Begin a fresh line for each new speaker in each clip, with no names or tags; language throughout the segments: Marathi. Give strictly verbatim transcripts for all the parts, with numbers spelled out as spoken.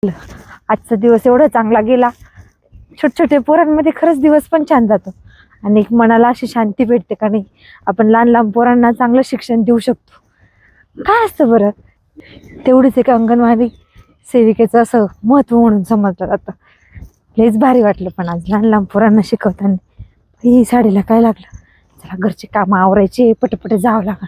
आजचा दिवस एवढा चांगला गेला. छोट छोटे पोरांमध्ये खरंच दिवस पण छान जातो आणि एक मनाला अशी शांती भेटते का नाही. आपण लहान लहान पोरांना चांगलं शिक्षण देऊ शकतो. काय असतं बरं, तेवढीच एक अंगणवाडी सेविकेचं असं महत्त्व म्हणून समजलं जातं. लयच भारी वाटलं पण आज लहान लहान पोरांना शिकवताना. ही साडीला काय लागलं, चला घरचे कामं आवरायचे, पटपट जावं लागल.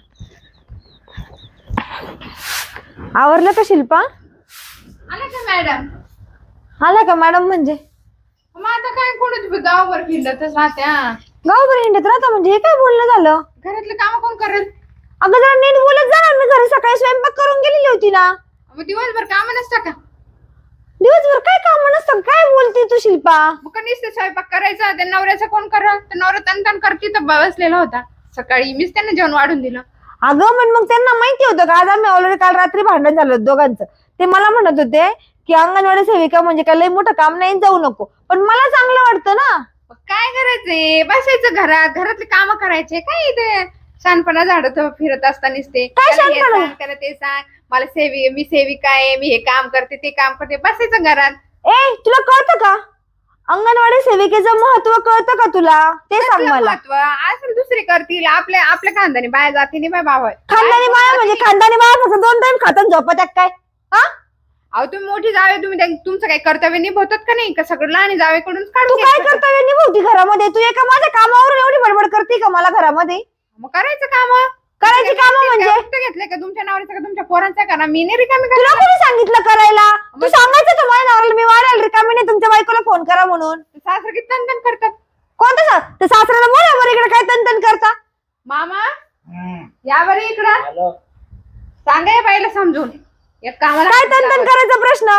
आवरलं का शिल्पा?
आला का मॅडम?
आला का मॅडम? म्हणजे
मग आता काय कोण तुम्ही गावभर फिरतच राहत्या?
गावभर हिंडत राहता म्हणजे हे काय बोलणं झालं?
घरातले काम कोण करेल?
अगं जरा नीट बोलत जा ना. मी घरी सकाळी स्वयंपाक करून गेलेली होती ना.
मग दिवसभर काम नसतं का?
दिवसभर काय काम नसतं? काय बोलते तू शिल्पा?
मग का नुसतं स्वयंपाक करायचा? त्या नवऱ्याचं कोण करत? तर नवरा तन तन करती तर बसलेला होता. सकाळी मीच त्यांना जेवण वाढून दिलं.
अगं पण मग त्यांना माहिती होतं का आज आम्ही ऑलरेडी काल रात्री भांडण झालं दोघांचं. ते मला म्हणत होते की अंगणवाडी सेविका म्हणजे काय लय मोठं काम नाही, जाऊ नको. पण मला चांगलं वाटतं ना.
मग काय करायचंय? बसायचं घरात, घरातले काम करायचे. काय इथे शानपणा झाडत फिरत असताना ते
काय
त्याला हे
शहाणपणा?
सांग, त्याला ते सांग. मला सेवी मी सेविका आहे, मी हे काम करते ते काम करते. बसायचं घरात.
ए तुला कळतं का अंगणवाडी सेविकेचं महत्व? कळतं का तुला? ते सांग
कसलं
मला.
महत्व असेल दुसरी करतील. आपल्या आपल्या खानदानी बाया जाती नाही बाय बाबा.
खानदानी बाया म्हणजे खानदानी बाया फक्त दोन टाइम खातात झोपत्यात काय? हा
अहो तुम्ही मोठी जावे, तुम्ही त्या- तुमचं काही कर्तव्य निभवतात का नाही? का सगळं लहान जावेकडून
तू
काढून
काय
घ्यायचं?
कर्तव्य निभवती घरामध्ये? तू एका माझ्या कामावरून एवढी बडबड करते का मला घरामध्ये?
मग करायचं काम.
करायची कामं म्हणजे?
घेतलंय का तुमच्या नवऱ्याचं का तुमच्या पोरांचं करा? मी नाही रिकामी
तुला
करणार.
कोणी सांगितलं करायला? तू सांगायचं तर माझ्या नवऱ्याला मी वाढेल रिकामी नाही तुमच्या बायकोला फोन करा म्हणून.
सासर किती तनतन करतात.
कोणतं सा- ते सासऱ्याला बोला बरं इकडे काय तनतन करता.
मामा या बरं इकडं. सांगा या बाईला समजून. एक कामाला
काय
हात नाही
तनतन
लावत.
करायचा प्रश्न?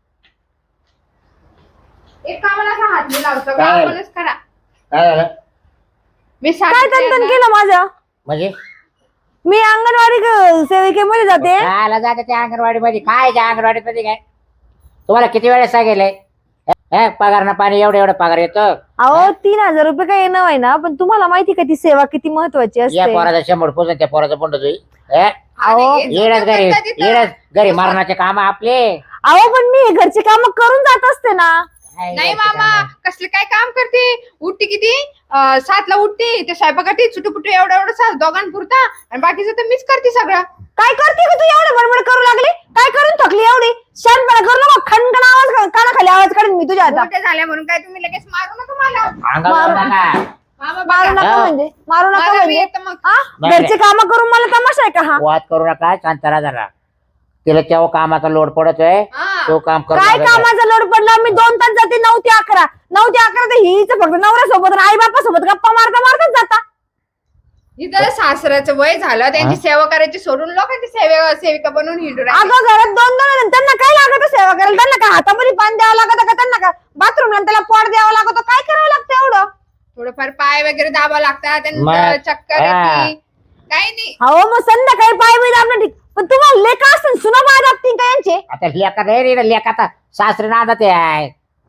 एक कामाला असा हात नाही लावतो.
काय?
आपणच करा.
काय झालं
मी
काय
सांगितलंय
तनतन
ना.
केलं माझं?
म्हणजे
मी अंगणवाडी ग- सेविकेमध्ये जाते.
कायला जाते त्या अंगणवाडी मध्ये? काय त्या अंगणवाडी मध्ये काय? तुम्हाला किती वेळेस सांगितलंय हे पगार ना पाणी एवढं एवढं पगार येतो?
अहो तीन हजार रुपये काय येणं आहे ना, पण तुम्हाला माहिती का ती सेवा किती महत्वाची
या
असते?
पोराचा शंभर पोचून त्या पोराचा पोंड तुझी
आणि हे
येडच
चुकतं
घरी
तिथं.
येडच घरी मारण्याचे काम आपले.
अहो पण मी हे घरचे काम करून जात असते ना.
काय
नाही
घरचे
मामा
कामं?
कसले काय काम करते? उठते किती अं, सातला उठते. ते स्वयंपाकाठी चुटूपुटू एवढं एवढं सास दोघांपुरता आणि बाकीचं तर मीच करते सगळं.
काय करते का तू एवढं बडबड करू लागली? काय करून थकली एवढी? शांतपणा करू नको. खणखण आवाज काढ- कानाखाली आवाज काढून मी तुझ्या आता.
मोठे झाल्या म्हणून काय तुम्ही लगेच मारू नका मला.
अंगावर
मारू-
नका.
मामा
मारू
बघा.
नका म्हणजे? मारू नका
मला मी
म्हणजे?
येतं मग.
हा?
नाही,
घरचे काम करून मला तमाशा आहे का हा?
वाद करू नका. शांत राहा जरा. तिला तेव्हा कामाचा लोड पडतोय
हा.
तो काम करू
काय
नका.
कामाचा लोड पडला? मी दोन तास जाते नऊ ते अकरा. नऊ ते अकरा तर हीच फक्त नवऱ्यासोबत आई बापासोबत गप्पा मारता मारताच जाता.
इथं सासऱ्याचं वय झालं, त्यांची सेवा करायची सोडून लोकांची सेवा सेविका बनवून हिंडू राहिले.
अगं घरात दोन दोन आहेत. त्यांना काय लागत सेवा करायला? त्यांना काय हातामध्ये पाणी द्यावं लागतं का? त्यांना काय बाथरूमला त्याला पॉट द्यावं लागतं? काय करावं लागतं एवढं?
थोडंफार पाय वगैरे दाबा लागतात, त्यांना
मग-
चक्कर
हा.
येते. काही नाही.
अहो मग संध्याकाळी पाय बी दाबणं ठीक, पण तुम्हाला लेखा असतील सुना पाय दाबतील का यांचे?
आता लेखा नाही रे लेखाचा सासरे नांदा ते आहे.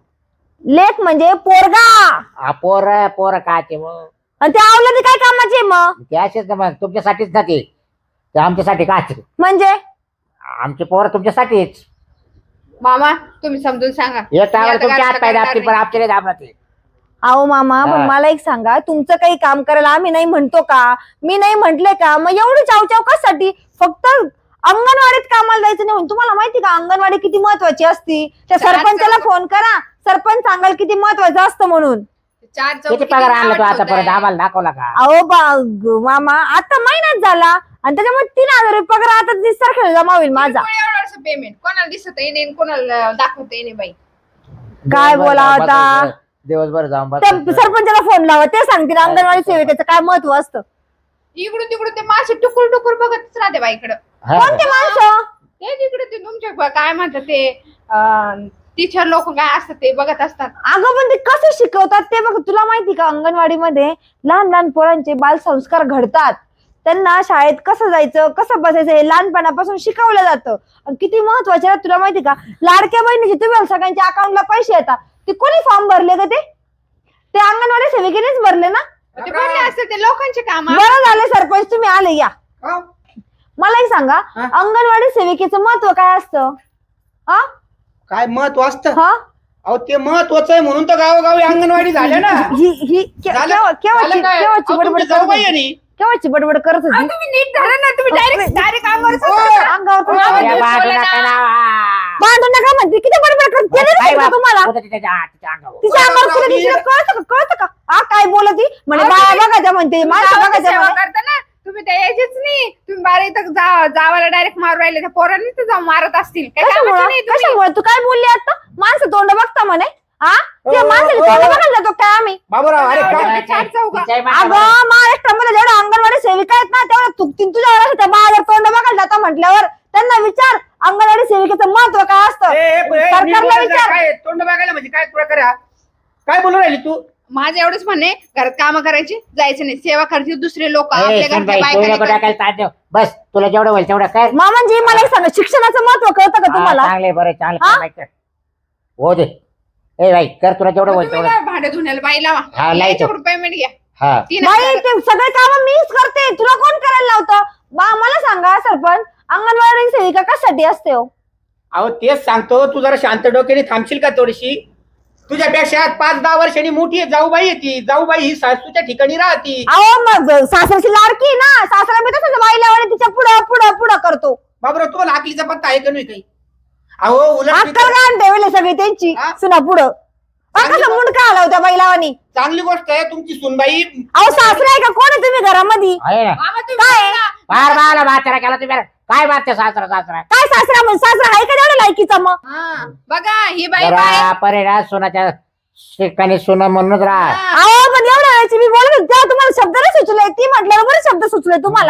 लेख म्हणजे पोरगा.
हा पोर पोर काचे मग
आणि ते आवलं काय कामाचे मग?
ते असेच ना मग तुमच्यासाठीच ना ते ते आमच्यासाठी काचे.
म्हणजे
आमचे पोर तुमच्यासाठीच.
मामा तुम्ही समजून सांगा.
एक
मी
टावर
आता
तुमच्या हात
घरात
पाय
करणार
दाबतील पण
नाही.
आमचे नाही दाबणार ते.
अहो मामा पण
हा.
मला एक सांगा, तुमचं काही काम करायला आम्ही नाही म्हणतो का? मी नाही म्हंटले का? मग एवढी चावचाव कशासाठी? फक्त अंगणवाडीत कामाला जायचं नाही म्हणून. तुम्हाला माहिती का अंगणवाडी किती महत्वाची असती? त्या
चार
सरपंचाला
चौघ-
फोन करा. सरपंच सांगाल किती महत्वाचं असतं म्हणून.
चार
किती
चौकी
पगार आणला तो
नाव
आतापर्यंत
ठेवताय.
आम्हाला दाखवला का?
अहो बा- ग- मामा आता महिनाच झाला आणि त्याच्यामुळे तीन हजार रुपये पगार आता दिससारखं जमा होईल माझा.
किरकोळ एवढं असं पेमेंट कोणाला दिसत येणे कोणाला दाखवता येणे बाई.
काय
दिवसभर
बोला
जाऊन
आता?
बसायचं, दिवसभर जाऊन
त्या
बसायचं.
सरपंचाला फोन लावा, ते सांगतील अंगणवाडी सेविकेचं काय महत्व असतं.
इकडून तिकडून ते मासे टुकुर टुकुर बघतच राहते बाईकडं.
हा.
कोणते माणसं?
ते तिकडे ते तुमच्या ब- काय म्हणतात ते टीचर लोक काय असतात ते बघत असतात.
अगं पण ते कसे शिकवतात ते बघ. तुला माहिती का अंगणवाडीमध्ये लहान लहान पोरांचे बालसंस्कार घडतात. त्यांना शाळेत कसं जायचं कसं बसायचं हे लहानपणापासून शिकवलं जातं. आणि किती महत्वाचे आहे तुला माहिती का? लाडक्या बहिणीचे तुम्ही सगळ्यांच्या अकाउंटला पैसे येतात. ते कोणी फॉर्म भरले का? ते ते अंगणवाडी सेविकेनेच भरले ना.
ते भरले असतात ते लोकांचे काम.
बरं झाले सरपंच तुम्ही आले. या मला एक सांगा, अंगणवाडी सेविकेचं महत्व काय असतं? हा
काय महत्व असतं
हा
अहो ते महत्वाचं आहे म्हणून तर गावोगावी अंगणवाडी झाल्या ना
ही ही के-
झालं-
केव्हा- केव्हाची
झालं काय?
केव्हाची
अहो,
बडबड
तुमची
करत
जाऊबाई आहे
होती?
नी.
केव्हाची बडबड करत
अहो,
होती
तुम्ही नीट झालं ना तुम्ही डायरेक्ट डायरेक्ट अंगावर
ओ,
अंगावर पण
अहो,
आवाज
या
तुम्ही
बाजूला
बोला ना.
करा.
भांडू नका म्हणते किती बडबड करते
काय
नाही
बाप?
तुम्हाला
होतं तिच्या हा, तिच्या अंगावर.
तिच्या अंगावर
बरोबर,
तुला तिला
मी-
कळतं का कळतं का हा काय बोलती म्हणे
अहो,
बाया
तुम्ही-
बघायच्या म्हणते
तुम्ही
माणसं
गावाची
बघायच्या
सेवा
म्हणे
करता ना तुम्ही त्या यायचेच नाही तुम्ही बारा इथं जा- जावाला डायरेक्ट मारू राहिले त्या पोरांनी तर जाऊन मारत असतील काय कामाचे
कशामुळं
नाही तुम्ही.
कशामुळे तू काय बोलली आता माणसं तोंड बघता म्हणे हा ते
ओ,
माणसाची
ओ,
तोंड
ओ.
बघायला जातो काय आम्ही
बाबूराव अरे
अहो,
काय
चार चौघा.
तिच्याही मागं बघा.
अगं महाराष्ट्रामध्ये जेवढ्या अंगणवाडी सेविका आहेत ना तेवढ्या चुकतीन तुझ्या वेळेस त्या बाहेर तोंड बघायला जाता म्हटल्यावर त्यांना विचार अंगणवाडी सेविकेचं महत्व काय असतं
ए, ए, ए, नीट
सरकारला
बोलायचं,
विचार
काय तोंड बघायला म्हणजे काय प्रकार आहे हा? काय बोलू राहिली तू
माझं एवढंच म्हणणे घरात कामं करायची जायचं नाही सेवा करतील दुसरे लोक
ए,
आपल्या घरच्या
सुनबाई,
बायका
तू
नाही
नको
करतील.
टाकायला ताण देऊ. बस तुला जेवढं होईल तेवढं कर
मामांजी मला एक सांगा शिक्षणाचं महत्व कळतं का
हा,
तुम्हाला
चांगले बरं चांगलं
हा?
काम आहे, कर. हो दे ए बाई कर तुला जेवढं
मग
होईल
तुम्ही
तेवढं
ना भांडे धुण्याला बाई लावा
हा, लावतो.
याच्याकडून पेमेंट घ्या
हा
तीन
बाई
हजार.
ते सगळे काम मीच करते तुला कोण करायला लावतं बा मला सांगा सरपंच अंगणवाडी सेविका कशासाठी असते हो
अहो तेच सांगतो तू जरा शांत डोक्याने थांबशील का थोडीशी तुझ्यापेक्षा पाच दहा वर्षांनी मोठी आहे जाऊबाई आहे ती जाऊबाई ही सासूच्या ठिकाणी राहती
अहो मग सासऱ्याची लाडकी आहे ना सासरा मी तसंच बाईला तिच्या पुढं पुढं पुढं करतो
बाबूराव तुम्हाला आकलीचा पत्ता आहे का नाही काही अहो उलट मी
अक्कल
तर-
काय ठेवले सगळी त्यांची
हा?
सुना पुढं अहो, कसं मुंडका आला होत्या बैलावानी
चांगली गोष्ट आहे तुमची सुनबाई
अहो सासरा आहे का कोण आहे तुम्ही घरामध्ये
आहे ना
मामा तुम्ही
काय?
बोला.
फार बाळाला म्हातारा केला तुम्ही काय बात सासरा सासरा
काय सासरा म्हणजे सासरा आहे का तेवढ्या लायकीचा मग
हा, बघा ही बाई
जरा
बाय
परेडा सोनाच्या ठिकाणी सोनं म्हणूनच राहा
अहो पण एवढ्या वेळेची मी बोलत होते तेव्हा तुम्हाला शब्द नाही सुचले ती म्हटल्यावर बरे शब्द सुचले तुम्हाला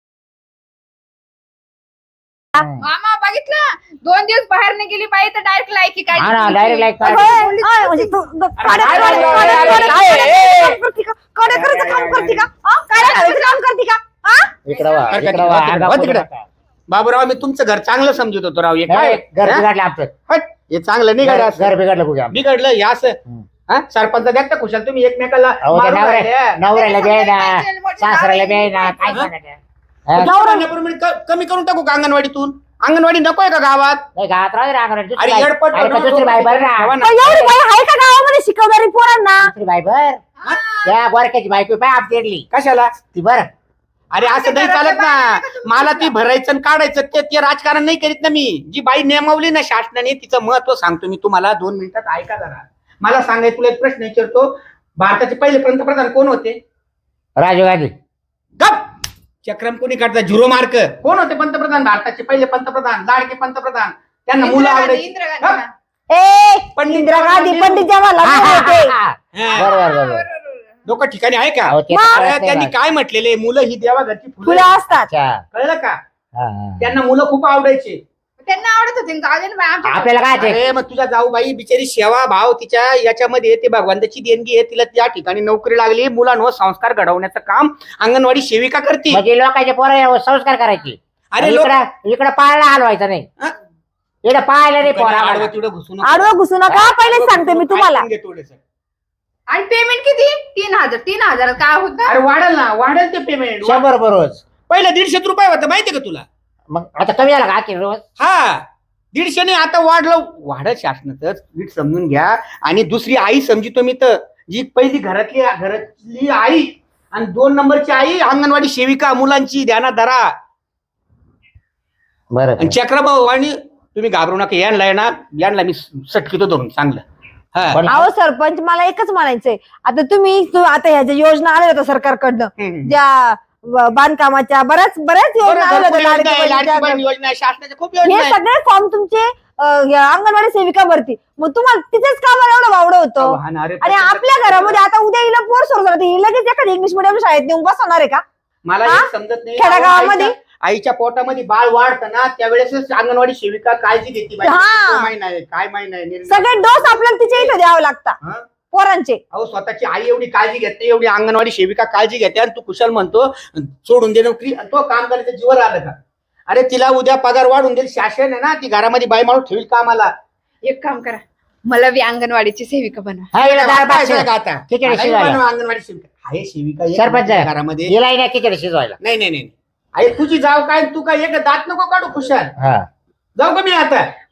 मामा बघितलं दोन दिवस बाहेर नाही गेली बाई तर डायरेक्ट लायकी काय
हा ना डायरेक्ट लाईक
अगं, अय, म्हणजे तू ग- काड्या-
काय
काड्या-
बोलतो?
काड्या-
अरे,
काड्या-
अरे,
काड्या-
अरे,
काम करते का? काड्या करायचं काम करते का हा? काड्या करायचं काम करते का हा?
इकडं वा
हरकत
इकडं
नाही,
वा
वा तिकडं,
अंगा
वा
पुढं
तिकडं.
नका.
बाबूराव मी तुमचं घर चांगलं समजत होतो राव हे काय
नाही, घर
हा?
बिघडलं आमचं
हट, हे चांगलं नाही गाड्या
घर घर बिघडलं बघा आमचं.
बिघडलं हे असं
हम्म.
हा सरपंच द्या का खुशाल तुम्ही एकमेकाला
अहो, त्या
मारून
नवऱ्या-
राहिले.
नवऱ्याला बी आहे ना
पाहिजे, मोठी
सासऱ्याला बी आहे
जावई
ना काय
हा?
सांगायचं? हा?
नवऱ्याप्रमाणे क- कमी करून टाकू का अंगणवाडीतून अंगणवाडी नकोय का गावात
नाही गावात राहू दे रे अंगणवाडी. दुसरी
अरे
बाई-
येडपट
अरे
बनवून
पण दुसरी बाई बरं
ठेवा
ना
ना.
पण एवढी बाई आहे का गावामध्ये शिकवणारी पोरांना
दुसरी बाई बर
हा.
त्या बोरक्याची बायको पाय आपली
कशाला
ती बर
अरे असं नाही चालत ना मला ती भरायचं आणि काढायचं ते ते राजकारण नाही करीत ना मी जी बाई नेमवली ना शासनाने तिचं महत्व सांगतो मी तुम्हाला दोन मिनिटात ऐका जरा मला सांगाय तुला एक प्रश्न विचारतो भारताचे पहिले पंतप्रधान कोण होते
राजीव गांधी
गप चक्रम कोणी काढता झिरो मार्क कोण होते पंतप्रधान भारताचे पहिले पंतप्रधान लाडके पंतप्रधान त्यांना मुलं
इंदिरा गांधी,
आवडायची
इंदिरा गांधी
गप.
ना.
ए
पंडित
इंदिरा गांधी
जवाहरलाल
पंडित जवाहरलाल
हा,
नेहरू
हा,
होते
हा, हा.
हा.
बरोबर बरोबर
लोक ठिकाणी आहे का
अहो, ते तर
मग-
कळत
अरे,
नाही
त्यांनी
बा.
काय म्हटलेले मुलं ही देवा घरची
फुलं
फुलं
असतात
अच्छा.
कळलं का
हा, हा.
त्यांना मुलं खूप आवडायचे
त्यांना आवडत होते जाऊ दे ना बाई, आमच्या-
आपल्याला काय ते?
अरे मग तुझ्या जाऊबाई बिचारी सेवा भाव तिच्या याच्यामध्ये ते भगवंताची देणगी आहे तिला त्या ठिकाणी नोकरी लागली मुलांवर संस्कार घडवण्याचं काम अंगणवाडी सेविका करते
म्हणजे लोकांचे पोरं संस्कार करायचे
अरे लोक
इकडं इकडं पाहायला हलवायचं नाही
हा?
इकडं पाहायला नाही पोरा
आडवं तिडवं घुसू नको.
आडवं घुसू नका पहिलेच सांगते मी तुम्हाला
ऐकून घे थोडंसं.
आणि पेमेंट किती तीन हजार तीन हजार काय होतं
अरे वाढेल ना वाढेल ते पेमेंट
शंभर रुपये रोज
पहिलं दीडशे रुपये होतं माहितीये का तुला
मग आता कमी झाला का की रोज
हा दीडशेने आता वाढलं वाढत शासनातच नीट समजून घ्या आणि दुसरी आई समजितो मी तर जी पहिली घरातली घरातली आई आणि दोन नंबरची आई अंगणवाडी सेविका मुलांची ध्यानात धरा
बरं
आणि चक्रभाऊ आणि तुम्ही घाबरू नका यांना आहे ना यांना मी सटकितो धरून चांगलं हा
पण-
अहो सरपंच मला एकच म्हणायचंय आता तुम्ही तू- आता ह्या ज्या योजना आल्या होत्या सरकारकडनं
हम्म.
ज्या ब- बांधकामाच्या बऱ्याच बऱ्याच योजना
बरं,
आल्या
भरपूर
होत्या
योजना आहे,
लाडकी
लाडकी
बहिणीच्या.
बहीण योजना आहे, शासनाच्या खूप योजना
हे
आहे.
सगळे फॉर्म तुमचे अं, या अंगणवाडी सेविका भरती मग तुम्हाला तिथेच कामाला एवढं वावडं होतं
आव्हान, अरे,
आणि आपल्या घरामध्ये आता उद्या हिला पोर सोर झालं ही लगेच एखादी इंग्लिश मिडियम शाळेत नेऊन बसवणार आहे का
मला
हा?
एक समजत नाही
खेडेगावामध्ये?
आईच्या- आईच्या पोटामध्ये बाळ वाढतं ना त्यावेळेस अंगणवाडी सेविका काळजी घेते बाई.
हा.
तो महिना आहे काय महिना आहे निर्णय.
सगळे डोस आपल्याला तिच्या इथं द्यावं लागतात
हा?
पोरांचे
अहो स्वतःची आई एवढी काळजी घेते एवढी अंगणवाडी सेविका काळजी घेते आणि तू कुशल म्हणतो सोडून दे नोकरी आणि तो काम करायचं जीवर आलं का अरे तिला उद्या पगार वाढून देईल शासन आहे ना ती घरामध्ये बाई माणूस ठेवील कामाला
एक काम करा मला बी अंगणवाडीची सेविका बनवा
हा, हिला दार भात
काय
शिजवा.
का आता
खिचडी
मला
शिजवायला.
बनवा अंगणवाडी सेविका आहे सेविका एक
सरपंच
आहे घरामध्ये
हिला नाही खिचडी शिजवायला
नाही नाही नाही आई तुझी जाव काय तू काय एक दात नको काढू खुशाल
हा
जाऊ का मी आता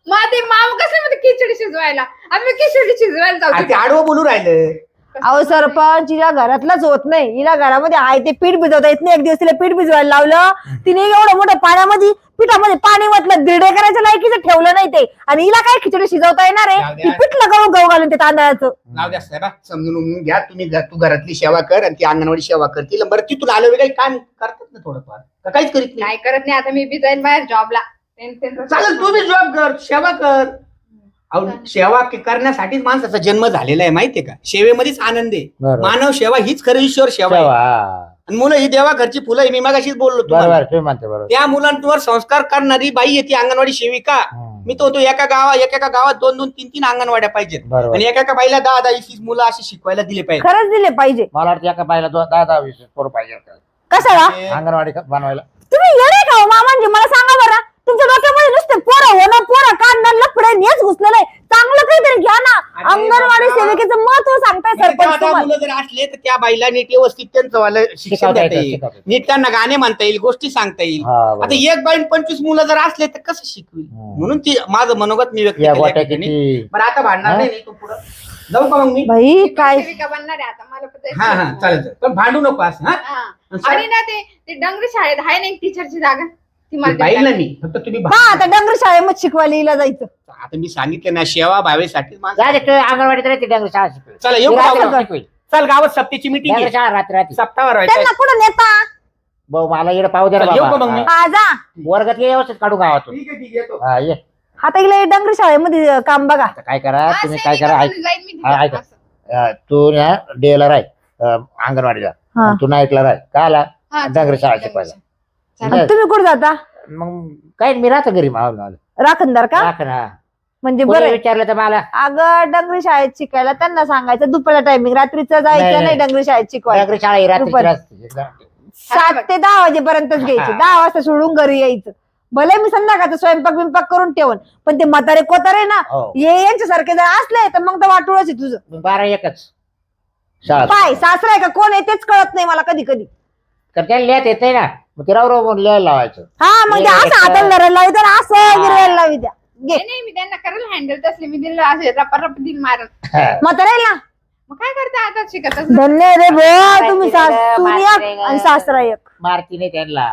मग ते मामा कसं म्हणते खिचडी शिजवायला, आम्ही खिचडी शिजवायला जाऊ
आ, ते
तिथे.
आडवं बोलू राहिलं.
अहो सरपंच हिला घरातलाच होत नाही, हिला घरामध्ये आहे ते पीठ भिजवता येत नाही. एक दिवस तिला पीठ भिजवायला लावलं, तिने एवढं मोठं पाण्यामध्ये पिठामध्ये पाणी म्हटलं दिरडे करायच्या लायकीचं ठेवलं नाही ते, आणि हिला काय खिचडी शिजवता येणार
जाऊ
आहे?
द्या.
ती पिठलं गहू गहू घालून ते तांदळाचं.
नाव द्या साहेबा, समजून उमजून घ्या तुम्ही. घ- तू घरातली सेवा कर आणि ती अंगणवाडी सेवा कर. तिला बरं तिथून आलं काही काम करतात ना थोडंफार, का काहीच करीत नाही?
नाही करत नाही, आता मी बी जाईन बाहेर जॉबला.
चालेल, तू बी जॉब कर, सेवा कर. अहो, सेवा के- करण्यासाठीच माणसाचा जन्म झालेला आहे, माहितीये का? सेवेमध्येच आनंद आहे.
बरोबर.
मानव सेवा हीच खरं ईश्वर सेवा आहे.
तेव्हा, हा.
आणि मुलं ही देवा घरची फुलं आहे. मी मगाशीच बोललो तुम्हाला.
बरोबर तुम्ही म्हणते बरोबर.
त्या मुलांवर संस्कार करणारी बाई आहे ती अंगणवाडी सेविका.
हम्म.
मी तो तो एका गावात एका गावात दोन दोन तीन तीन अंगणवाड्या पाहिजेत,
बरोबर.
आणि एका एका बाईला दहा दहा वीस वीस मुलं अशी शिकवायला दिले पाहिजे.
खरंच दिले पाहिजे.
मला वाटतं एका बाईला दो- दहा दहा वीस पोरं पाहिजे होतं.
कशाला?
ते-
अंगणवाडी क- बनवायला.
तुम्ही येणे का हो मामांजी? मला सांगा बरं, तुमच्या डोक्यामध्ये नुसते पोरं होणं, पोरं काढणं, लफडे हेच घुसलेलं आहे. चांगलं काहीतरी घ्या ना.
अरे
अंगणवाडी
बाबा.
सेविकेचं महत्व सांगताय
म्हणजे
सरपंच
दहा दहा
तुम्हाला.
मुलं जर असले तर त्या बाईला नीट व्यवस्थित त्यांचं वालं शिक्षण
शिकवता
देता
येतं,
येईल,
शिकवता येतं.
नीट त्यांना गाणे म्हणता येईल, गोष्टी सांगता येईल.
हा, बरोबर.
आता एक बाईन पंचवीस मुलं जर असले तर कसं शिकवी?
हम्म.
म्हणून ती माझं मनोगत मी व्यक्त
या
केलं
गोट्या
या ठिकाणी.
किती
बरं आता भांडणार
हा?
नाही नाही, तू पुढं जाऊ का मग मी?
बाई काय
सेविका बनणार आहे आता मला पण जायचं.
हा हा चालेल चालेल. पण भांडू नको असं. हा
हा. आणि ना ते ते डंगरी शाळेत आहे ना एक टीचरची जागा, ती मला
बाईल ना
देतात.
मी, फक्त तुम्ही
हा
भांडू
आता डंगर शाळेमध्ये शिकवायला हिला जायचं.
नका. आता मी सांगितलं ना, सेवा भावेसाठी
जा रे, तू अंगणवाडीत राहते डंगर शाळा शिकवेल.
चला येऊ
ती
का
रात्री
गावात?
शिकवेल.
चल गावात सप्तीची मिटिंग
डंगर
आहे,
शाळा रात्री रात्री.
सप्ताह
त्यांना
व्हायचा.
कुठं नेता?
भाऊ मला इकडे पाहू दे ना
चल, येऊ का मग
बाबा.
मी?
हा.
हा जा.
वर्गात ये, व्यवस्थित काढू गावातून.
ठीक आहे ठीक आहे येतो.
हा, ये.
आता हिला डंगर शाळेमध्ये काम बघा.
आता काय करा
हा,
तुम्ही, काय
सेविका
करा ऐक.
बनून जाईन मी
हा,
तिथे.
ऐका.
असं.
अं, तू ना डेला राह अं, अंगणवाडीला.
हा.
तू नाईटला राह. का आला
हा,
डंगर शाळा
डंगरी
शिकवायला.
शाळा.
आणि तुम्ही कुठं जाता?
मग काय मी राहतो घरी मावलं
राखणदार का?
राख ना.
म्हणजे
कोणी
बरं.
विचारलं तर मला
अगं डंगरी शाळेत शिकायला त्यांना सांगायचं दुपारला टायमिंग, रात्रीचं
नाही,
जायचं नाही
नाही.
डंगरी शाळेत शिकवायला.
डंगर शाळा ही रात्रीची
दुपारी.
असते.
सात ते दहा वाजेपर्यंतच घ्यायची,
हा.
दहा वाजता सोडून घरी यायचं. भले मी संध्याकाळचा स्वयंपाक बिंपाक करून ठेवून, पण ते म्हातारे कोतारे ना
हो.
हे यांच्यासारखे जर असले तर मग तर वाटूळच आहे तुझं.
मग बारा एकच शाळा.
पाय सासरा आहे का कोण आहे तेच कळत नाही मला कधी कधी.
तर त्याला लिहित येत नाही ना, मग ते राव राव म्हणून लिहायला लावायचं.
हा मग ते असं हाताला धरायला लावी तर असं गिरवायला लावी द्या. घे
नाही नाही, मी त्यांना करायला हँडल तसले मी दिलं असे रपा रप दिन मारत.
म्हातारे ना.
मग काय करता आता शिकतच
धन्य रे भो तुम्ही
माहिती रे,
सासून
माहिती
एक
रे.
आणि सासरा एक.
मारती नाही त्यांना.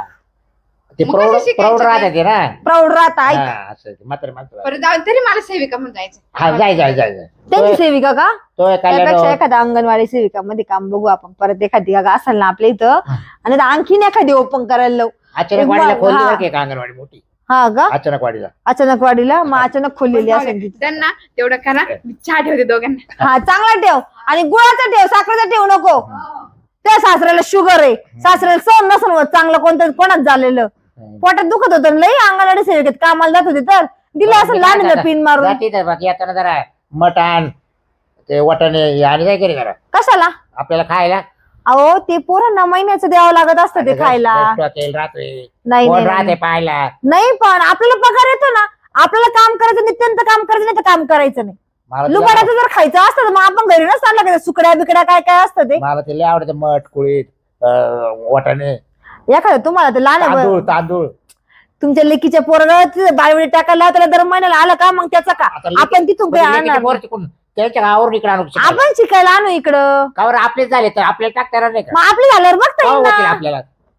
ते
मग
प्रौढ
कसं शिकायचं
प्रौढ
ते?
राहते ते ना.
प्राऊड राहता ऐक.
हा, असं ते म्हातारे माणसं.
परत जाऊन तरी मला सेविका म्हणून
हा
जायचं.
जाय जाय जाय जाय.
त्यांची
तो-
सेविका का?
तो एक
त्यापेक्षा
कल्याण
एखाद्या अंगणवाडी सेविका मध्ये काम बघू आपण. परत एखादी जागा असेल ना आपल्या इथं, आणि आता आणखीन एखादी ओपन करायला लावू.
अचानक वाडीला
एक
खोलली
हा.
बरं का एक अंगणवाडी मोठी.
हा का?
अचानक वाडीला.
अचानक वाढीला मग अचानक खोललेली असेल तिथे.
त्यांना तेवढं करा, मी चहा ठेवते दोघांना.
हा चांगला ठेव, आणि गुळाचा ठेव, साखरेचा ठेव नको. त्या सासऱ्याला शुगर आहे, सासऱ्याला सहन नसन होत चांगलं कोणतं कोणाच झालेलं. पोटात दुखत होतं लई, अंगणवाडी सेविकेत कामाला जात होते तर दिलं असं लहान पिन मारून.
जाती तर बाकी येताना जरा मटण ते वाटाणे आणि काय करी जरा
कशाला?
आपल्याला खायला.
अहो ते पोरांना महिन्याचं द्यावं लागत असतं ते खायला.
तेल राहते
नाही
कोण
नाही,
राहते
नाही
पाहायला.
नाही, पण आपल्याला पगार येतो ना, आपल्याला काम करायचं, नित्यंत काम करायचं नाही तर काम करायचं नाही.
मला ते
लुबाडाचं जर खायचं असतं तर मग आपण घरी नसतं आणलं का सुकड्या बिकड्या काय काय असतं ते.
मला ते लय आवडतं मठ कुळीत अं, वाटाणे
एखादं तुम्हाला ते लहान आहे
तांदूळ
बरं.
तांदूळ.
तुमच्या लेकीच्या पोरगात बाळवडी टाकायला त्याला दर महिन्याला आलं का मग त्याचं का
आता लेकी-
आपण तिथून काही
म्हणजे लेकीचे
आणणार
पोर
नाही.
तिकडून त्यांच्या गावावरून इकडे आणू शकतो.
आपण शिकायला आणू इकडं.
गावावर आपलेच झाले तर आपल्याला टाकता येणार नाही का?
मग आपली झाल्यावर बघता
हो,
येईल
होतील
ना
आपल्याला.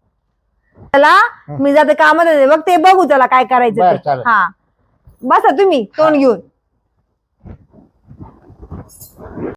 त्याला. मी जाते कामात बघ ते बघू त्याला काय करायचं
बरं,
ते.
चालेल.
हा बसा तुम्ही तोंड घेऊन.